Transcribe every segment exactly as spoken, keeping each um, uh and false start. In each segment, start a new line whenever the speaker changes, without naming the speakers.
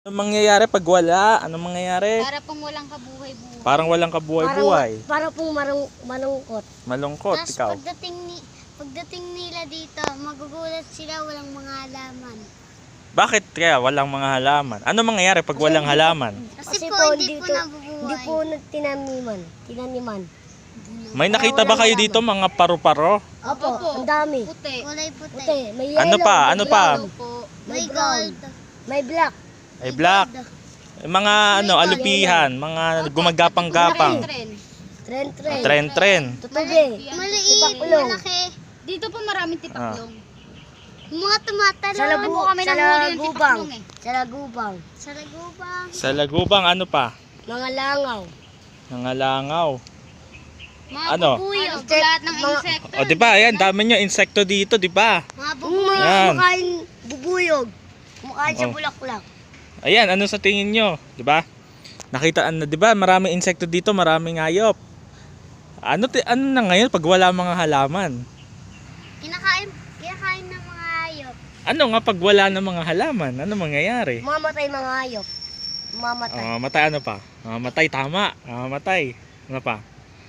Anong mangyayari pag wala? Anong mangyayari?
Para pong walang kabuhay-buhay.
Parang walang kabuhay-buhay.
Para pong marung, malungkot.
Malungkot,
Tapos
ikaw.
pagdating, ni, pagdating nila dito, magugulat sila walang mga halaman.
Bakit kaya walang mga halaman? Ano mangyayari pag walang halaman?
Kasi,
Kasi
po,
po,
hindi po
dito-
nabubuhay.
Hindi po nagtinaniman. Tinaniman.
May nakita ba kayo dito mga paru-paro?
Opo,
Opo.
ang dami.
Puti. Kulay puti.
Puti, may yellow,
Ano pa?
may
Ano pa?
brown,
Opo.
May
May
brown.
gold.
May black.
Ay black. Mga ano, alupihan, mga gumagapang-gapang.
Tren.
Tren, tren.
Tren-tren.
Tutubi.
Maliit,
Tipaklong.
malaki.
Dito po maraming tipaklong.
Yung mga tumatalo.
Sa labu,
po kami
sa
nanghuli yung
lagubang.
tipaklong eh.
Sa lagubang.
Sa lagubang.
Sa lagubang ano pa?
Mga langaw.
Mga langaw.
Mga
Ano?
bubuyog,
Insect-
lahat ng
mga-
insekto.
O di ba? Ayan, dami nyo insekto dito, di ba?
Mga
Yung
bubuyo.
mga
Yan.
kumakain bubuyog. Kumakain sa
Oh.
bulaklak.
Ayan, ano sa tingin nyo? Di ba? Nakita ano, di ba? Maraming insekto dito, maraming hayop. Ano ti ano na ngayon pag wala mga halaman?
Kinakain, kinakain ng mga hayop.
Ano nga pag wala ng mga halaman? Ano mangyayari?
Mamatay mga hayop. Mamatay.
Ah, matay ano pa? Mamatay, tama. Ah, matay. Ano pa?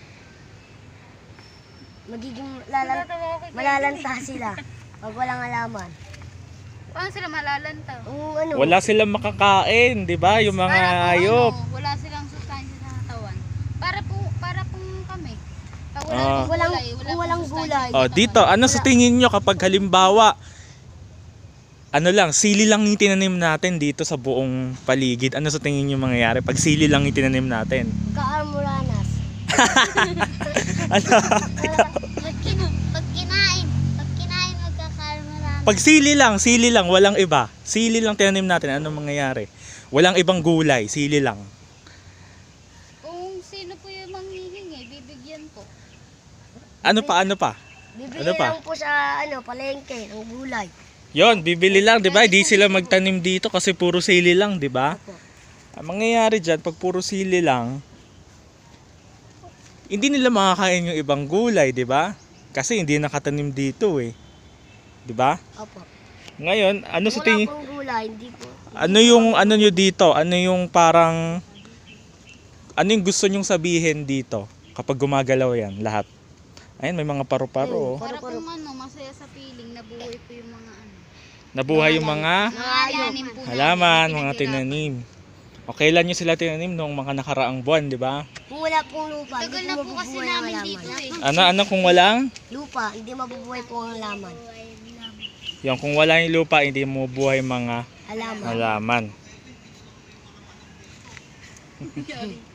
Magiging lalan, malalanta sila. Pag walang halaman.
Paano sila malalanta?
Yung ano,
Wala silang makakain, di ba? Yung mga
Para po,
hayop.
ano, wala silang sustansya sa katawan. Para po, para pong kami. Pag wala
Ah.
pong
Walang-
gulay, wala
kung
pong
walang
sustansya
gulay.
sa
Oh,
katawan.
dito, ano sa tingin nyo kapag halimbawa ano lang, sili lang yung tinanim natin dito sa buong paligid. Ano sa tingin nyo mangyayari pag sili lang yung tinanim natin?
kaarmuranas.
Ano?
Pag, kin, pag kinain, pag kinain magkakaroon.
Pag sili lang, sili lang, walang iba. Sili lang tinanim natin, ano mangyayari? Walang ibang gulay, sili lang.
Kung sino po yung manghihingi, bibigyan po.
Ano pa, ano pa?
Bibili
Ano pa?
lang po sa ano, palengke ng gulay.
Yon, bibili lang, 'di ba? Hindi sila magtanim dito kasi puro sili lang, 'di ba?
Opo.
Ang mangyayari diyan pag puro sili lang, hindi nila makakain yung ibang gulay, 'di ba? Kasi hindi nakatanim dito eh. 'Di ba?
Opo.
Ngayon, ano sa
Wala
tingin
pong gulay, hindi po.
ano yung ano nyo dito? Ano yung parang ano yung gusto nyong sabihin dito kapag gumagalaw yan lahat? Ayun, may mga paru-paro. oh.
Para
Paru-paro.
pong ano, masaya sa piling, nabuhay po yung mga ano.
Nabuhay yung mga
Nangalanim po
halaman,
namin,
mga
pinaghirapan.
tinanim. O kailan nyo sila tinanim nung mga nakaraang buwan, di ba?
Kung wala pong lupa,
Tagal
hindi
na po kasi
mabubuhay ang
namin
halaman.
dito eh.
Ano, ano kung walang?
Lupa, hindi mabubuhay po ang halaman.
Yung kung wala yung lupa, hindi mo buhay mga
Halaman.
halaman.